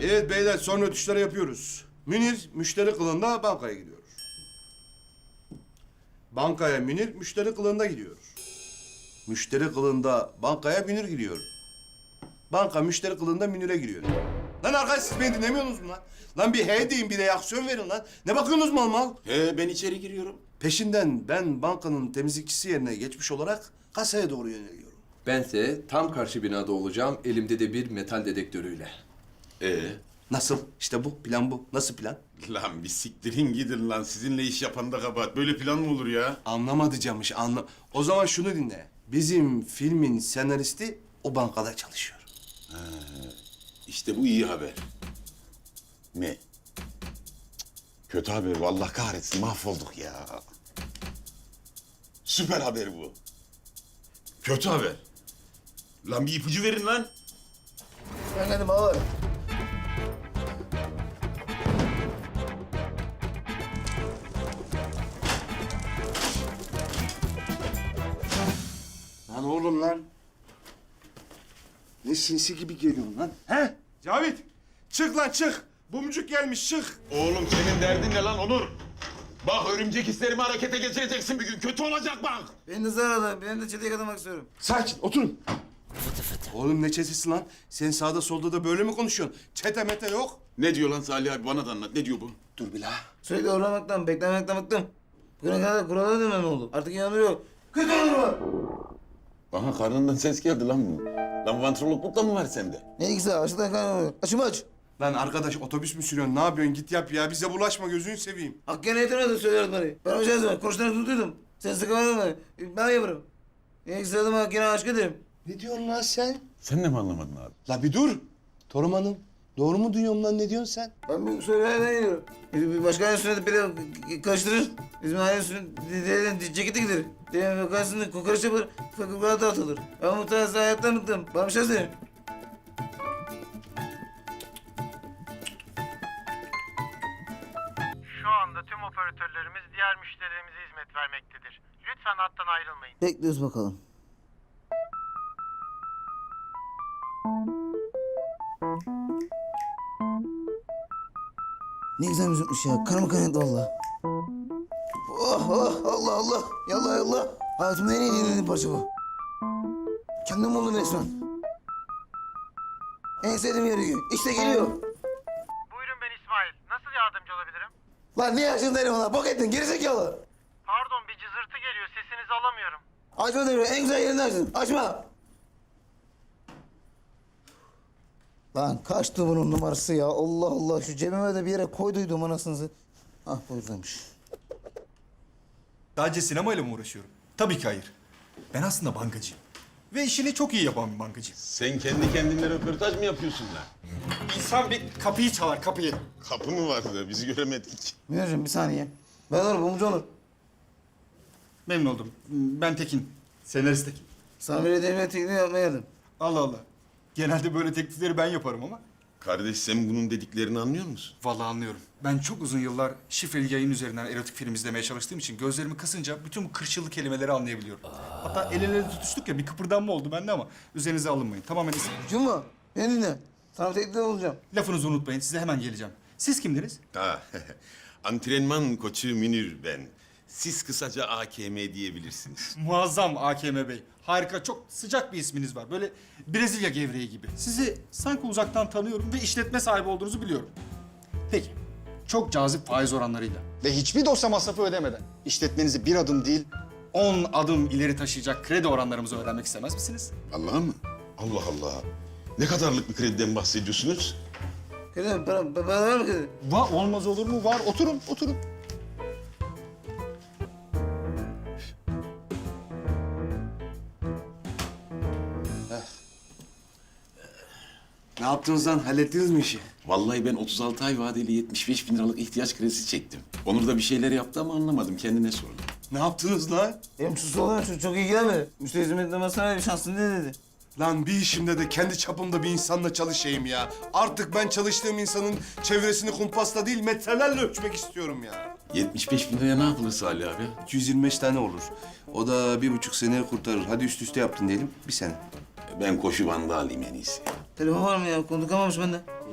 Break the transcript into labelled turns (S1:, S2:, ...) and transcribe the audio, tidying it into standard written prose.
S1: Evet beyler, son ötüşleri yapıyoruz. Münir müşteri kılığında bankaya gidiyor. Bankaya Münir müşteri kılığında gidiyor. Müşteri kılığında bankaya Münir gidiyor. Banka müşteri kılığında Münir'e giriyor. Lan arkadaş, siz beni dinlemiyorsunuz mu lan? Lan bir he deyin, bir reaksiyon verin lan. Ne bakıyorsunuz mal mal?
S2: Ben içeri giriyorum.
S1: Peşinden ben bankanın temizlikçisi yerine geçmiş olarak kasaya doğru yöneliyorum.
S3: Bense tam karşı binada olacağım, elimde de bir metal dedektörüyle.
S1: Nasıl? İşte bu, plan bu. Nasıl plan?
S2: Lan bir siktirin gidin lan. Sizinle iş yapan da kabahat. Böyle plan mı olur ya?
S1: Anlamadı Camış, O zaman şunu dinle. Bizim filmin senaristi o bankada çalışıyor.
S2: İşte bu iyi haber. Ne? Cık, kötü haber. Vallahi kahretsin. Mahvolduk ya. Süper haber bu. Kötü haber. Lan bir ipucu verin lan.
S4: Efendim ağır.
S1: Lan oğlum lan. Ne sinsi gibi geliyorsun lan. He? Cavit, çık lan çık. Bumcuk gelmiş, çık.
S2: Oğlum senin derdin ne lan Onur? Bak örümcek hislerimi harekete geçireceksin bir gün. Kötü olacak bak.
S4: Beni de zararlı. Ben de çeteye katılmak istiyorum.
S1: Sakin, oturun. Oğlum ne çetesi lan? Sen sağda solda da böyle mi konuşuyorsun? Çete mete yok.
S2: Ne diyor lan Salih abi? Bana da anlat. Ne diyor bu?
S1: Dur bir la.
S4: Sürekli uğramaktan, beklemekten bıktım. Bugüne kadar kurala dönmem oldu. Artık inanıyor yok. Kötü olur mu?
S2: Bana karnından ses geldi lan bu. Lan vantrologluk da mı var sende?
S4: Ne ilgisi var? Aşağıdan kaynanıyor. Açımı aç.
S1: Lan arkadaş, otobüs mü sürüyorsun? Ne yapıyorsun? Git yap ya. Bize bulaşma, gözünü seveyim.
S4: Hakkı'ya yetemedi söylüyordu beni. Ben hocam zaman koştuğunu tutuydum. Sen sıkımadın mı? Ben yaparım. Ne ilgisi adıma Hakkı'ya aşk ederim.
S1: Ne diyorsun lan sen?
S2: Sen de mi anlamadın abi?
S1: La bir dur. Torum Hanım, doğru mu duyuyorum lan? Ne diyorsun sen?
S4: Ben bu söylemeden geliyorum. Bir başka aile sünneti biri karıştırır. Bizim aile sünneti ceketi gider. Diyelim karşısında kokoreç yapılır, fakirlere dağıtılır. Ben bu tarz hayattan bıktım. Bana bir şey söyleyeyim.
S5: Şu anda tüm operatörlerimiz diğer müşterilerimize hizmet vermektedir. Lütfen hattan ayrılmayın.
S4: Bekliyoruz bakalım. Ne güzel müzikmiş ya. Karnım kaynadı valla. Oh oh Allah Allah. Yallah yallah. Hayatımda en iyi dinlediğim parça bu. Kendim buldum resmen. En sevdiğim yer gün. İşte geliyor.
S5: Buyurun, ben İsmail. Nasıl yardımcı olabilirim?
S4: Lan niye açtın telefonu? Bok ettin gerizekalı.
S5: Pardon, bir cızırtı geliyor. Sesinizi alamıyorum.
S4: Açma telefonu. En güzel yerinde açtın. Açma. Lan kaçtı bunun numarası ya. Allah Allah. Şu cebime de bir yere koyduydum anasını. Ah buradaymış.
S6: Sadece sinemayla mı uğraşıyorum? Tabii ki hayır. Ben aslında bankacıyım. Ve işini çok iyi yapan bir bankacıyım.
S2: Sen kendi kendine röportaj mı yapıyorsun lan?
S6: İnsan bir kapıyı çalar, kapıyı.
S2: Kapı mı vardı? Bizi göremedik.
S4: Münir'cim bir saniye. Ben Onur, Bumcu Onur.
S6: Memnun oldum. Ben Tekin. Senarist Tekin.
S4: Sana bir devlet tekniği yapmaya geldim.
S6: Allah Allah. Genelde böyle teklifleri ben yaparım ama.
S2: Kardeş sen bunun dediklerini anlıyor musun?
S6: Vallahi anlıyorum. Ben çok uzun yıllar şifreli yayın üzerinden erotik film izlemeye çalıştığım için gözlerimi kısınca bütün bu kırçıllı kelimeleri anlayabiliyorum. Hatta el ele tutuştuk ya, bir kıpırdanma oldu bende ama üzerinize alınmayın. Tamamen
S4: Cuma, beni dinle. Sana bir teklifte bulacağım.
S6: lafınızı unutmayın. Size hemen geleceğim. Siz kimdiniz?
S2: Ha, antrenman koçu Münir ben. Siz kısaca AKM diyebilirsiniz.
S6: Muazzam AKM Bey. Harika, çok sıcak bir isminiz var. Böyle Brezilya gevreği gibi. Sizi sanki uzaktan tanıyorum ve işletme sahibi olduğunuzu biliyorum. Peki, çok cazip faiz oranlarıyla ve hiçbir dosya masrafı ödemeden işletmenizi bir adım değil, 10 adım ileri taşıyacak kredi oranlarımızı öğrenmek istemez misiniz?
S2: Vallahi mı? Allah Allah. Ne kadarlık bir krediden bahsediyorsunuz?
S4: Kredi, para var mı kredi?
S6: Olmaz olur mu? Var. Oturun, oturun.
S1: Ne yaptınız lan? Hallettiniz mi işi?
S2: Vallahi ben 36 ay vadeli 75 bin liralık ihtiyaç kredisi çektim. Onur da bir şeyler yaptı ama anlamadım. Kendine sordum.
S1: Ne yaptınız lan?
S4: Benim sus olan çok ilgilenmedi. Müşteri hizmetine sana bir şansın ne dedi?
S1: Lan bir işimde de kendi çapımda bir insanla çalışayım ya. Artık ben çalıştığım insanın çevresini kumpasla değil metrelerle ölçmek istiyorum ya.
S2: 75 bin liraya ne yapılır Salih abi?
S1: 225 tane olur. O da 1,5 seneye kurtarır. Hadi üst üste yaptın diyelim, 1 sene.
S2: Ben koşu bandı alayım en iyisi.
S4: Telefon var mı ya? Konu kamamış bende.